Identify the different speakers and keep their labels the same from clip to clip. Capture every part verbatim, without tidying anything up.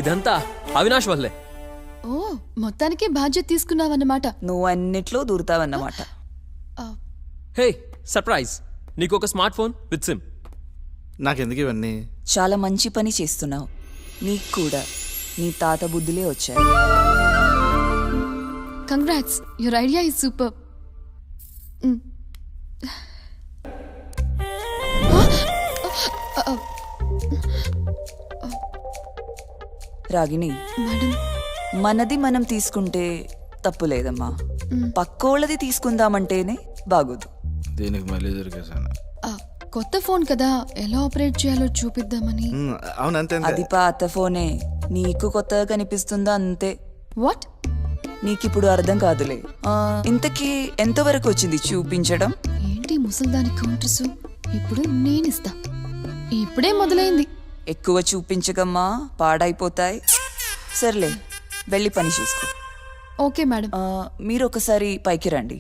Speaker 1: ఇదంతా అవినాష్ వల్లే.
Speaker 2: ఓ మొత్తానికి బాధ్యత తీసుకున్నావన్నమాట.
Speaker 3: నువ్వు అన్నిట్లో దూరుతావన్నమాట.
Speaker 1: హే సర్ప్రైజ్, నీకు ఒక స్మార్ట్ ఫోన్ విత్ సిమ్.
Speaker 4: నాకెందుకు ఇవన్నీ?
Speaker 3: చాలా మంచి పని చేస్తున్నావు. నీకు కూడా నీ తాత బుద్ధులే వచ్చాయి.
Speaker 2: Congrats, your idea is super.
Speaker 3: Ragini,
Speaker 2: madam
Speaker 3: మనది మనం తీసుకుంటే తప్పు లేదమ్మా. పక్కోళ్ళది తీసుకుందామంటేనే బాగోదు.
Speaker 4: దీనికి మళ్ళీ దొరికేసాను.
Speaker 2: కొత్త ఫోన్ కదా, ఎలా ఆపరేట్ చేయాలో చూపిద్దామని.
Speaker 4: అవునంతే.
Speaker 3: అది పాత ఫోనే, నీకు కొత్తగా కనిపిస్తుందా అంతే.
Speaker 2: వాట్?
Speaker 3: నీకిప్పుడు అర్థం కాదులే. ఆ, ఇంతకీ ఎంతవరకు వచ్చింది చూపించడం?
Speaker 2: ఏంటి ముసల్దాని కౌంటర్స్? ఇప్పుడు నేనిస్తా. ఇప్పుడే మొదలైంది.
Speaker 3: ఎక్కువ చూపించకమ్మా, పాడైపోతాయి. సర్లే, వెళ్ళి పని చూసుకో.
Speaker 2: Okay madam.
Speaker 3: ఆ, మీరు ఒకసారి పైకి రండి.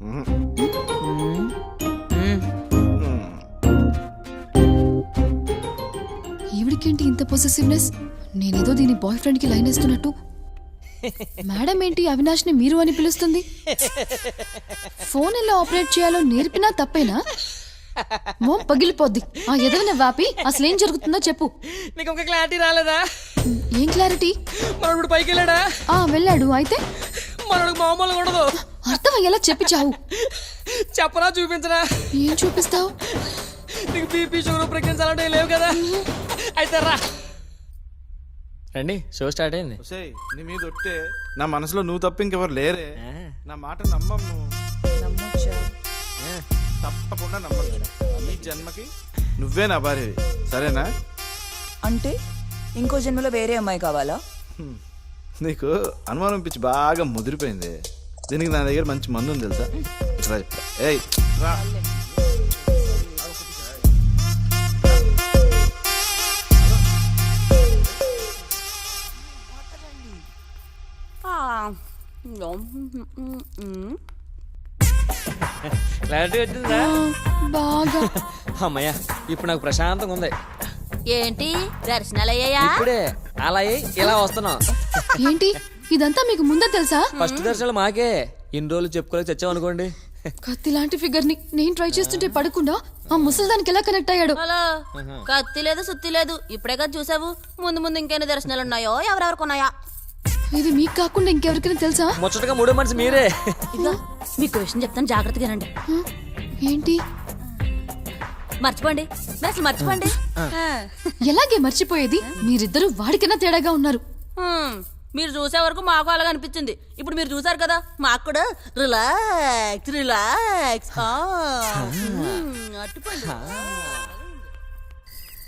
Speaker 2: ఈవిడికేంటి ఇంత పొసెసివ్నెస్? నేనేదో దీని బాయ్ ఫ్రెండ్ కి లైన్ వేస్తున్నట్టు. మేడం ఏంటి అవినాష్ ని మీరు అని పిలుస్తుంది? ఫోన్ ఎలా ఆపరేట్ చేయాలో నేర్పినా తప్పేనా? మోం పగిలిపోద్ది. ఆ ఎదవన వాపి అసలు ఏం జరుగుతుందో చెప్పు.
Speaker 1: నీకు ఇంకా క్లారిటీ రాలేదా?
Speaker 2: ఏం క్లారిటీ?
Speaker 1: మనోడు పైకి వెళ్ళాడా?
Speaker 2: ఆ వెళ్ళాడు. అయితే
Speaker 1: మనోడు మామూలుగా ఉండదు.
Speaker 2: అర్థం అయ్యేలా చెప్పి చావు.
Speaker 1: చెప్పరా చూపించరా?
Speaker 2: ఏం చూపిస్తావు?
Speaker 1: నీకు బీపీ షుగర్ ప్రెగ్నెన్సీ అలాంటివి లేవు కదా? అయితే రా రండి, షో స్టార్ట్ అయింది.
Speaker 4: నీ మీద ఒట్టే, నా మనసులో నువ్వు తప్ప ఇంకెవరు లేరే. నా మాట నమ్మము. తప్పకుండా నమ్మను. ఈ జన్మకి నువ్వే నా భార్యవి, సరేనా?
Speaker 3: అంటే ఇంకో జన్మలో వేరే అమ్మాయి కావాలా?
Speaker 4: నీకు అనుమానం పిచ్చి బాగా ముదిరిపోయింది. దీనికి నా దగ్గర మంచి మందు ఉంది తెలుసా? రా చెప్తా. ఏయ్ రా.
Speaker 1: క్లారిటీ వచ్చిందా?
Speaker 2: బాగా.
Speaker 1: అమ్మయ్యా, ఇప్పుడు నాకు ప్రశాంతంగా ఉంది.
Speaker 5: ఏంటి దర్శనాలు అయ్యాయా?
Speaker 1: ఇప్పుడే అలా అయ్యి ఇలా వస్తున్నాం.
Speaker 2: ఏంటి ఇదంతా మీకు ముందే తెలుసా?
Speaker 1: ఫస్ట్ దర్శనాలు మాకే. ఇన్ని రోజులు చెప్పుకోలేక చచ్చాం అనుకోండి.
Speaker 2: కత్తి లాంటి ఫిగర్ ని నేను ట్రై చేస్తుంటే పడకుండా ఆ ముసల్దానికి ఎలా కనెక్ట్ అయ్యాడు?
Speaker 5: హలో, కత్తి లేదు సుత్తి లేదు, ఇప్పుడే కదా చూసావు. ముందు ముందు ఇంకెన్ని దర్శనాలు ఉన్నాయో, ఎవరెవరికి ఉన్నాయా?
Speaker 2: ఇది మీకు కాకుండా ఇంకెవరికైనా తెలుసా?
Speaker 1: ముచ్చటగా మూడో మనిషి మీరే.
Speaker 5: ఇదిగో మీకు విషయం చెప్తాను, జాగ్రత్తగా రండి.
Speaker 2: హ? ఏంటి?
Speaker 5: మర్చిపోండి, మీరు అసలు మర్చిపోండి.
Speaker 2: ఎలాగే మర్చిపోయేది? మీరిద్దరూ వాడికైనా తేడాగా ఉన్నారు.
Speaker 5: హ్మ్, మీరు చూసే వరకు మాకు అలాగ అనిపించింది. ఇప్పుడు మీరు చూసారు కదా, మాకు కూడా రిలాక్స్ రిలాక్స్. అట్టుకోండి.